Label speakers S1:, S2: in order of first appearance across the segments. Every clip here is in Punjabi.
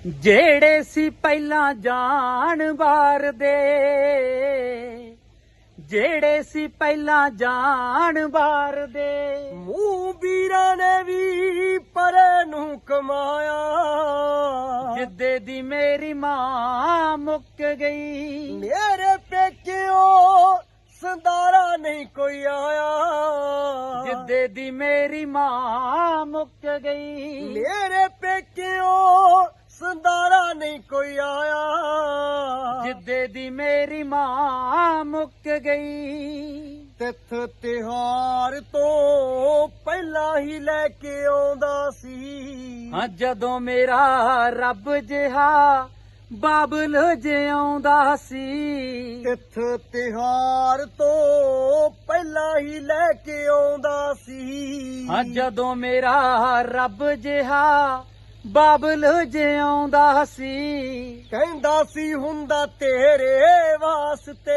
S1: ਜਿਹੜੇ ਸੀ ਪਹਿਲਾਂ ਜਾਣ ਵਾਰ ਦੇ, ਜਿਹੜੇ ਸੀ ਪਹਿਲਾਂ ਜਾਣ ਵਾਰ ਦੇ,
S2: ਮੂੰਹ ਵੀਰਾਂ ਨੇ ਵੀ ਪਰੇ ਨੂੰ ਕਮਾਇਆ।
S1: ਜਿੱਦੇ ਦੀ ਮੇਰੀ ਮਾਂ ਮੁੱਕ ਗਈ,
S2: ਮੇਰੇ ਪੇਕਿਓ ਸੰਦਾਰਾ ਨਹੀਂ ਕੋਈ ਆਇਆ।
S1: ਜਿੱਦੇ ਦੀ ਮੇਰੀ ਮਾਂ ਮੁੱਕ ਗਈ,
S2: ਮੇਰੇ ਪੇਕਿਓ ਸੰਦਾਰਾ ਨਹੀਂ ਕੋਈ ਆਇਆ।
S1: ਜਿੱਦੇ ਦੀ ਮੇਰੀ ਮਾਂ ਮੁੱਕ ਗਈ।
S2: ਤਿੱਥ ਤਿਹਾਰ ਤੋਂ ਪਹਿਲਾਂ ਹੀ ਲੈ ਕੇ ਆਉਂਦਾ ਸੀ।
S1: ਹਾਂ ਜਦੋਂ ਮੇਰਾ ਰੱਬ ਜਿਹਾ ਬਾਬਲ ਜਿਉਂਦਾ ਸੀ।
S2: ਤਿੱਥ ਤਿਹਾਰ ਤੋਂ ਪਹਿਲਾਂ ਹੀ ਲੈ ਕੇ ਆਉਂਦਾ ਸੀ।
S1: ਹਾਂ ਜਦੋਂ ਮੇਰਾ ਰੱਬ ਜਿਹਾ ਬਾਬਲ ਜਿਉਂਦਾ ਸੀ।
S2: ਕਹਿੰਦਾ ਸੀ ਹੁੰਦਾ ਤੇਰੇ ਵਾਸਤੇ,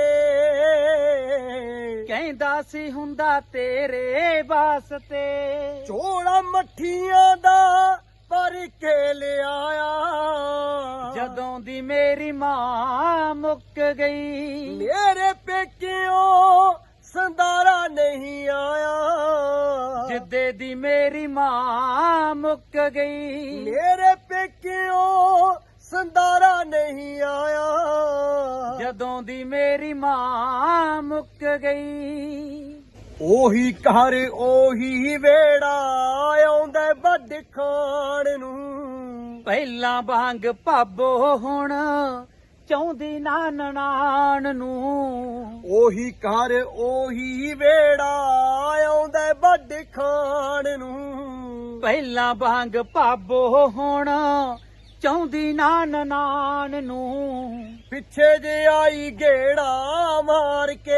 S1: ਕਹਿੰਦਾ ਸੀ ਹੁੰਦਾ ਤੇਰੇ ਵਾਸਤੇ।
S2: ਝੋਲਾ ਮੱਠੀਆਂ ਦਾ ਭਰ ਕੇ ਲਿਆਇਆ।
S1: ਜਦੋਂ ਦੀ ਮੇਰੀ ਮਾਂ ਮੁੱਕ ਗਈ,
S2: ਮੇਰੇ ਪੇਕਿਓ ਸੰਦਾਰਾ ਨਹੀਂ ਆਇਆ।
S1: ਜਿੱਦੇ ਦੀ ਮੇਰੀ ਮਾਂ ਮੁੱਕ ਗਈ,
S2: ਮੇਰੇ ਪੇਕਿਓ ਸੰਦਾਰਾ ਨਹੀਂ ਆਇਆ।
S1: ਜਦੋਂ ਦੀ ਮੇਰੀ ਮਾਂ ਮੁੱਕ ਗਈ।
S2: ਉਹੀ ਘਰ ਉਹੀ ਵੇੜਾ ਆਉਂਦਾ ਵੱਡ ਖਾਣ ਨੂੰ।
S1: ਪਹਿਲਾਂ ਵਾਂਗ ਭਾਬੋ ਹੁਣ ਚਾਹੁੰਦੀ ਨਾ ਨਨਾਣ ਨੂੰ।
S2: ਉਹੀ ਘਰ ਉਹੀ ਵੇੜਾ ਆਉਂਦਾ ਵੱਡ ਖਾਣ ਨੂੰ।
S1: ਪਹਿਲਾਂ ਵਾਂਗ ਭਾਬੋ ਹੁਣ ਚਾਹੁੰਦੀ ਨਾ ਨਨਾਣ ਨੂੰ।
S2: ਪਿੱਛੇ ਜੇ ਆਈ ਗੇੜਾ ਮਾਰ ਕੇ,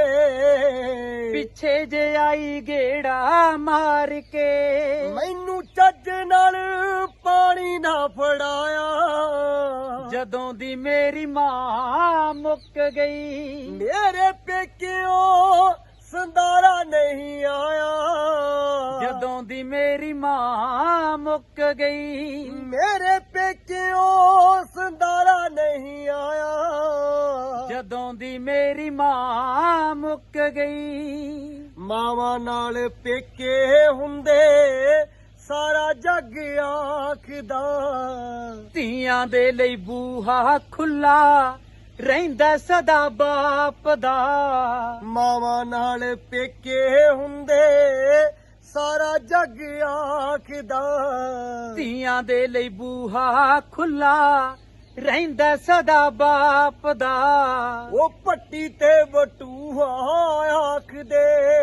S1: ਪਿੱਛੇ ਜੇ ਆਈ ਗੇੜਾ ਮਾਰ ਕੇ।
S2: ਮੈਨੂੰ ਚੱਜ ਨਾਲ ਪਾਣੀ ਨਾ ਫੜਾਇਆ।
S1: ਜਦੋਂ ਦੀ ਮੇਰੀ ਮਾਂ ਮੁੱਕ ਗਈ,
S2: ਮੇਰੇ ਪੇਕਿਓ ਸੰਦਾਰਾ ਨਹੀਂ ਆਇਆ।
S1: ਜਦੋਂ ਦੀ ਮੇਰੀ ਮਾਂ ਮੁੱਕ ਗਈ,
S2: ਮੇਰੇ ਪੇਕਿਓ ਸੰਦਾਰਾ ਨਹੀਂ ਆਇਆ।
S1: ਜਦੋਂ ਦੀ ਮੇਰੀ ਮਾਂ ਮੁੱਕ ਗਈ।
S2: ਮਾਵਾਂ ਨਾਲ ਪੇਕੇ ਹੁੰਦੇ ਸਾਰਾ ਜੱਗ ਆਖਦਾ।
S1: ਧੀਆਂ ਦੇ ਲਈ ਬੂਹਾ ਖੁੱਲਾ ਰਹਿੰਦਾ ਸਦਾ ਬਾਪ ਦਾ।
S2: ਮਾਵਾਂ ਨਾਲ ਪੇਕੇ ਹੁੰਦੇ ਸਾਰਾ ਜੱਗ ਆਖਦਾ।
S1: ਧੀਆਂ ਦੇ ਲਈ ਬੂਹਾ ਖੁੱਲਾ ਰਹਿੰਦਾ ਸਦਾ ਬਾਪ ਦਾ।
S2: ਉਹ ਪੱਟੀ ਤੇ ਬਟੂਹਾ ਆਖਦੇ।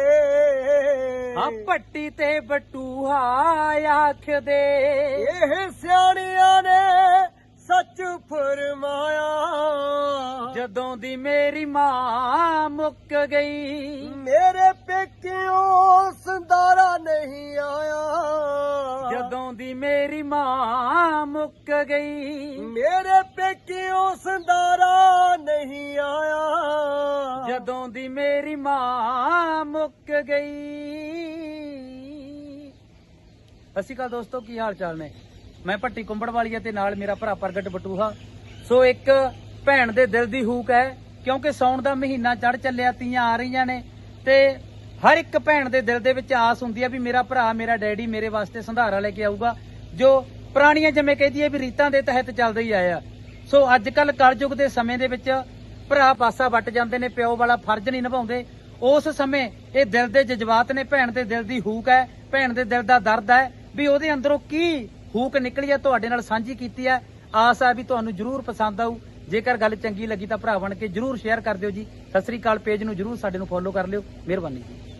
S1: ਆ ਪੱਟੀ ਤੇ ਬਟੂਹਾ ਆਖਦੇ।
S2: ਇਹ ਸਿਆਣਿਆਂ ਨੇ ਸੱਚ ਫਰਮਾਇਆ।
S1: ਜਦੋਂ ਦੀ ਮੇਰੀ ਮਾਂ ਮੁੱਕ ਗਈ,
S2: ਮੇਰੇ ਪੇਕਿਓ ਸੰਦਾਰਾ ਨਹੀਂ ਆਇਆ।
S1: ਜਦੋਂ ਦੀ ਮੇਰੀ ਮਾਂ ਮੁੱਕ ਗਈ,
S2: ਮੇਰੇ ਪੇਕਿਓ ਸੰਦਾਰਾ ਨਹੀਂ ਆਇਆ।
S1: ਜਦੋਂ ਦੀ ਮੇਰੀ ਮਾਂ ਮੁੱਕ ਗਈ। ਸਤਿ ਸ਼੍ਰੀ ਅਕਾਲ ਦੋਸਤੋ, ਕੀ ਹਾਲ ਚਾਲ ਨੇ? ਮੈਂ ਭੱਟੀ ਕੁੰਬੜ ਵਾਲੀਆ ਤੇ ਨਾਲ ਮੇਰਾ ਭਰਾ ਪ੍ਰਗਟ ਬਟੂਹਾ। ਸੋ ਇੱਕ ਭੈਣ ਦੇ ਦਿਲ ਦੀ ਹੂਕ ਹੈ, ਕਿਉਂਕਿ ਸਾਉਣ ਦਾ ਮਹੀਨਾ ਚੜ ਚੱਲਿਆ, ਤੀਆਂ ਆ ਰਹੀਆਂ ਨੇ ਤੇ ਹਰ ਇੱਕ ਭੈਣ ਦੇ ਦਿਲ ਦੇ ਵਿੱਚ ਆਸ ਹੁੰਦੀ ਹੈ ਵੀ ਮੇਰਾ ਭਰਾ, ਮੇਰਾ ਡੈਡੀ ਮੇਰੇ ਵਾਸਤੇ ਸੰਧਾਰਾ ਲੈ ਕੇ ਆਊਗਾ, ਜੋ ਪੁਰਾਣੀਆਂ ਜਿਵੇਂ ਕਹਿੰਦੀ ਹੈ ਵੀ ਰੀਤਾਂ ਦੇ ਤਹਿਤ ਚੱਲਦੇ ਹੀ ਆਇਆ। ਸੋ ਅੱਜ ਕੱਲ ਕਲਯੁਗ ਦੇ ਸਮੇਂ ਦੇ ਵਿੱਚ ਭਰਾ ਪਾਸਾ ਵੱਟ ਜਾਂਦੇ ਨੇ, ਪਿਓ ਵਾਲਾ ਫਰਜ਼ ਨਹੀਂ ਨਿਭਾਉਂਦੇ। ਉਸ ਸਮੇਂ ਇਹ ਦਿਲ ਦੇ ਜਜ਼ਬਾਤ ਨੇ, ਭੈਣ ਦੇ ਦਿਲ ਦੀ ਹੂਕ ਹੈ, ਭੈਣ ਦੇ ਦਿਲ ਦਾ ਦਰਦ ਹੈ ਵੀ ਉਹਦੇ ਅੰਦਰੋਂ ਕੀ ਹੂਕ ਨਿਕਲੀ ਹੈ, ਤੁਹਾਡੇ ਨਾਲ ਸਾਂਝੀ ਕੀਤੀ ਹੈ। ਆਸ ਹੈ ਵੀ ਤੁਹਾਨੂੰ ਜਰੂਰ ਪਸੰਦ ਆਊ। ਜੇਕਰ ਗੱਲ ਚੰਗੀ ਲੱਗੀ ਤਾਂ ਭਰਾ ਬਣ ਕੇ ਜਰੂਰ ਸ਼ੇਅਰ ਕਰ ਦਿਓ ਜੀ। ਸਤਿ ਸ੍ਰੀ ਅਕਾਲ। ਪੇਜ ਨੂੰ ਜਰੂਰ ਸਾਡੇ ਨੂੰ ਫੋਲੋ ਕਰ ਲਿਓ। ਮਿਹਰਬਾਨੀ ਜੀ।